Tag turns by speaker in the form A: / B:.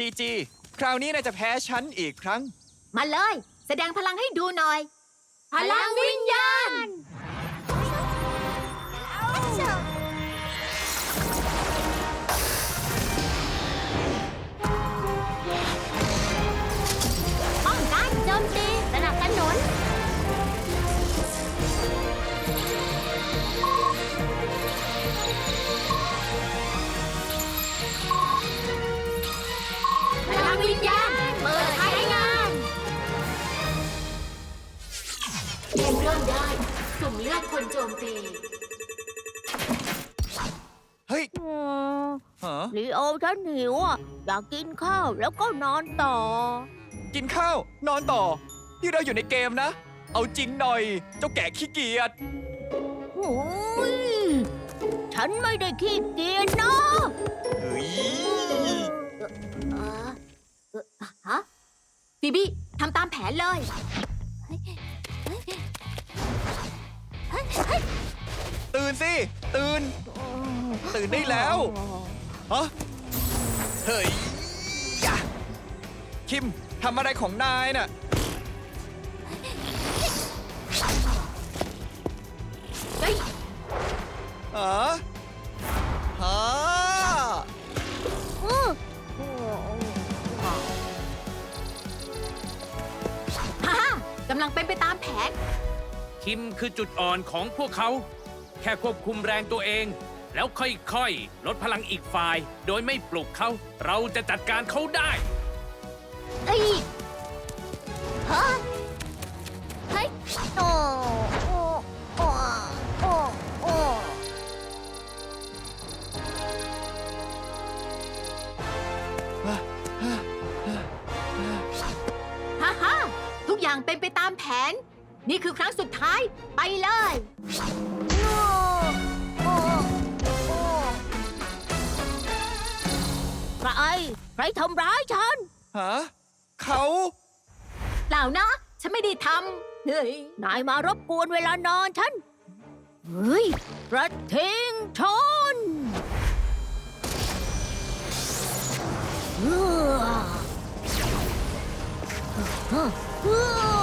A: จีคราวนี้นายจะแพ้ฉันอีกครั้ง
B: มาเลย แสดงพลังให้ดูหน่อย พลังวิญญาณ ป้องกันโจมตีสนับสนุนพลังวิญญาณเปิดใช้งานเกมเริ่มได้สุ่มเลือกคนโจมตี
A: เฮ้ยฮะ
C: ลีโอฉันหิวอ่ะอยากกินข้าวแล้วก็นอนต่อ
A: กินข้าว นอนต่อ ที่เราอยู่ในเกมนะ เอาจริงหน่อย เจ้าแก่ขี้เกียจ
C: โอ้ยฉันไม่ได้ขี้เกียจนะ
A: เฮ้ย
B: ฮะบีบี้ทำตามแผนเลย
A: ตื่นสิ ตื่น ตื่นได้แล้วฮะเฮ้ยยะคิมทำอะไรของนายน่ะ
B: เฮ้ย
A: ฮะฮะ
B: ฮ่ากำลังเป็นไปตามแผน
D: คิมคือจุดอ่อนของพวกเขา แค่ควบคุมแรงตัวเอง แล้วค่อยๆ ลดพลังอีกฝ่าย โดยไม่ปลุกเขา เราจะจัดการเขาได้
B: เอ้ยฮะเฮ้ย
C: โอ้โอ้โอ้โอ้โอ้
B: ฮ่าฮ่าทุกอย่างเป็นไปตามแผน นี่คือครั้งสุดท้าย ไปเลย
C: โอ้โอ้โอ้ใครทำร้ายฉัน
A: ฮะเขา
B: เปล่านะ ฉันไม่ได้ทำ เฮ้ย
C: นายมารบกวนเวลานอนฉัน เฮ้ยกระทิงชนเฮ้อเฮ้อ